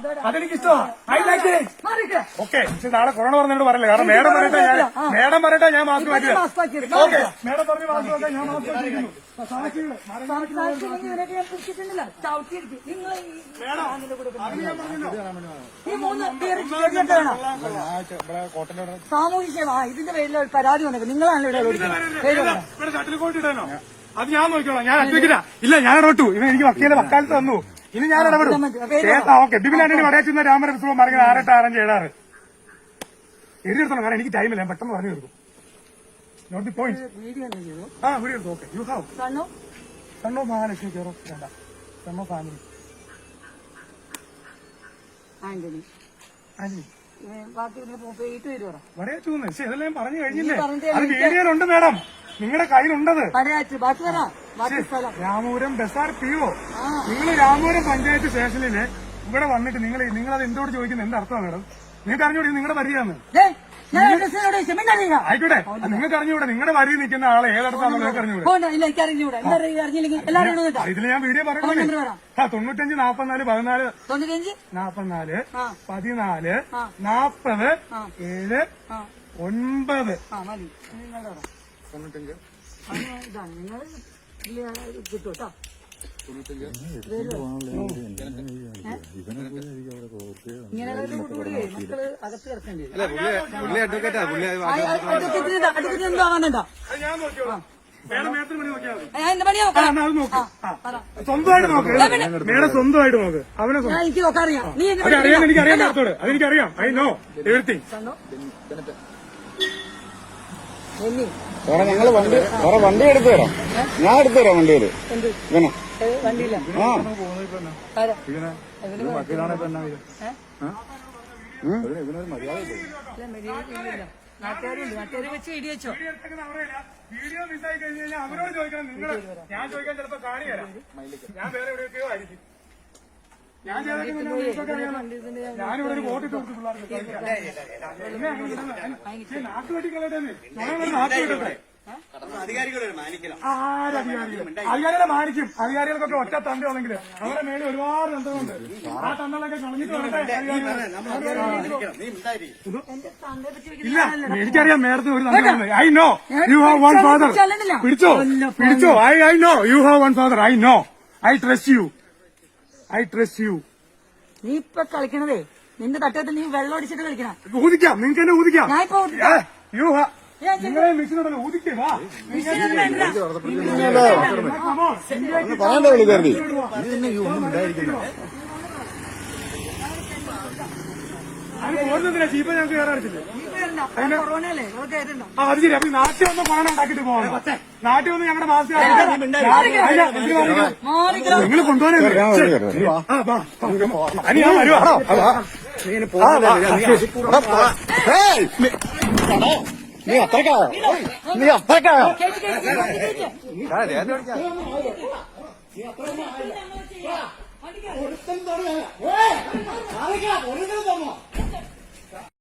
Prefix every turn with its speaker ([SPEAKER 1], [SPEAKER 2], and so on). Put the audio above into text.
[SPEAKER 1] അതെനിക്ക് ഇഷ്ടമാണ്. I like it. Okay, പക്ഷെ നാളെ കൊറോണ പറഞ്ഞോട് പറയില്ല. കാരണം മേഡം പറയട്ടെ ഞാൻ മാസ്ക് മാറ്റില്ല. ഓക്കെ, മേഡം പറഞ്ഞ് മാസ്ക് വെക്കാൻ ഞാൻ മാസ്ക് വെച്ചിരിക്കുന്നു.
[SPEAKER 2] സാമൂഹ്യ സേവ ഇതിന്റെ പേരിൽ പരാതി വന്നത് നിങ്ങളാണല്ലോ
[SPEAKER 1] ഷട്ടിൽ കോട്ട് ഇടാനോ? അത് ഞാൻ നോക്കിക്കോളാം. ഞാൻ അഡ്വക്കേറ്റാ. ഇല്ല, ഞാൻ ഇടപെട്ടു. ഇവൻ എനിക്ക് വക്കാലത്ത് തന്നു. ഇനി ഞാൻ ഇടപെടും. ഓക്കെ, ബിബിൻ ആന്റണി വടയാച്ചുന്ന രാമരവിശ്വം പറഞ്ഞത് 6-8-6-7 എഴുതിയെടുത്തോളാം. കാരണം എനിക്ക് ടൈമില്ല, ഞാൻ പെട്ടെന്ന് പറഞ്ഞു തീർക്കും. Note the point. വീഡിയോ എടുത്തു. Okay, you have son of Mahalakshmi care of വേണ്ട സൺ ഓഫ് ഫാമിലി ആന്റണി വടയാച്ചൂന്ന്. പക്ഷെ ഇതെല്ലാം ഞാൻ പറഞ്ഞു കഴിഞ്ഞില്ലേ? അത് വീഡിയോയിലുണ്ട് മേഡം, നിങ്ങളുടെ കയ്യിലുണ്ടത്. രാമപുരം ബസാർ പിഒ. നിങ്ങൾ രാമപുരം പഞ്ചായത്ത് സ്റ്റേഷനില് ഇവിടെ വന്നിട്ട് നിങ്ങളത് എന്തോട് ചോദിക്കുന്നത് എന്ത് അർത്ഥമാണ് മേഡം? നിങ്ങൾക്ക് അറിഞ്ഞൂടെ നിങ്ങളുടെ വരികയാണ്? ആയിക്കോട്ടെ, നിങ്ങൾക്ക് അറിഞ്ഞൂടെ നിങ്ങളുടെ വരി നിൽക്കുന്ന ആളെ ഏതടത്താണോ നിങ്ങൾക്ക് അറിഞ്ഞൂടെ? ഇതിൽ ഞാൻ വീഡിയോ പറയുന്നത് 95 44 14 44 14 40 7 9
[SPEAKER 2] കിട്ടൂട്ടോ. ഇങ്ങനെ മക്കള് അകത്ത് കിടക്കേണ്ടി വരും. എന്താവാനുണ്ടോ?
[SPEAKER 1] സ്വന്തമായിട്ട് നോക്ക് മേഡം, സ്വന്തമായിട്ട് നോക്ക്. അവനെ
[SPEAKER 2] എനിക്ക് നോക്കാറിയാം. നീ
[SPEAKER 1] എനിക്കറിയാം മേഡത്തോട്, അതെനിക്കറിയാം. I know everything.
[SPEAKER 3] ഞങ്ങള് വണ്ടി എടുത്തു തരാം. ഞാൻ എടുത്തു തരാം വണ്ടിയില്.
[SPEAKER 2] വണ്ടിയില്ല നാട്ടുകാര് വെച്ച് ഇടിയച്ചോ.
[SPEAKER 1] വീഡിയോ മിസ്സായി കഴിഞ്ഞ് കഴിഞ്ഞാൽ അവരോട് ചോദിക്കണം. നിങ്ങൾ ഞാൻ ചോദിക്കാൻ ചിലപ്പോ കാണിയല്ല. ഞാൻ വേറെ എവിടെയൊക്കെയോ ആയിരിക്കും. ഞാനിവിടെ ഒരു വോട്ടിട്ട് കൊടുത്തു പിള്ളേർക്ക്. നാട്ടുകെട്ടിക്കളട്ടെ, നാട്ടുകെട്ടെ. അധികാരികളെ മാനിക്കും. അധികാരികൾക്കൊക്കെ ഒറ്റ തന്തയാണെങ്കിൽ അവരുടെ മേളിൽ ഒരുപാട് തന്തകളുണ്ട്. ആ തന്തകളൊക്കെ കളഞ്ഞിട്ട് ഇല്ല. എനിക്കറിയാം മേഡത്തിന് ഒരു തന്തയുണ്ട്. I know you have one father. പിടിച്ചോ. I know you have one father. I know. I trust you.
[SPEAKER 2] നീ ഇപ്പൊ കളിക്കണതേ നിന്റെ തട്ടത്തിൽ നീ വെള്ളം അടിച്ചിട്ട് കളിക്കണം.
[SPEAKER 1] ഊതിക്കാം, നിങ്ങൾക്ക് തന്നെ ഊതിക്കാം. നിങ്ങളെ മിഷനുണ്ടല്ലോ, ഊതിക്കേ. വാ,
[SPEAKER 3] പറയണ്ടേ വിളിക്കാറി.
[SPEAKER 1] ഓടുന്നതിനാ ചീപ്പ ഞങ്ങൾക്ക് കയറാറിച്ചില്ലേ? അത് ശരി. അപ്പൊ നാട്ടിൽ വന്ന് കൊറോണ ഉണ്ടാക്കിട്ട് പോകണം. നാട്ടിൽ വന്ന് ഞങ്ങളുടെ മാസം നിങ്ങൾ കൊണ്ടുപോകാനേ. ഞാൻ വരുവാ.
[SPEAKER 3] നീ അത്രക്കായോ?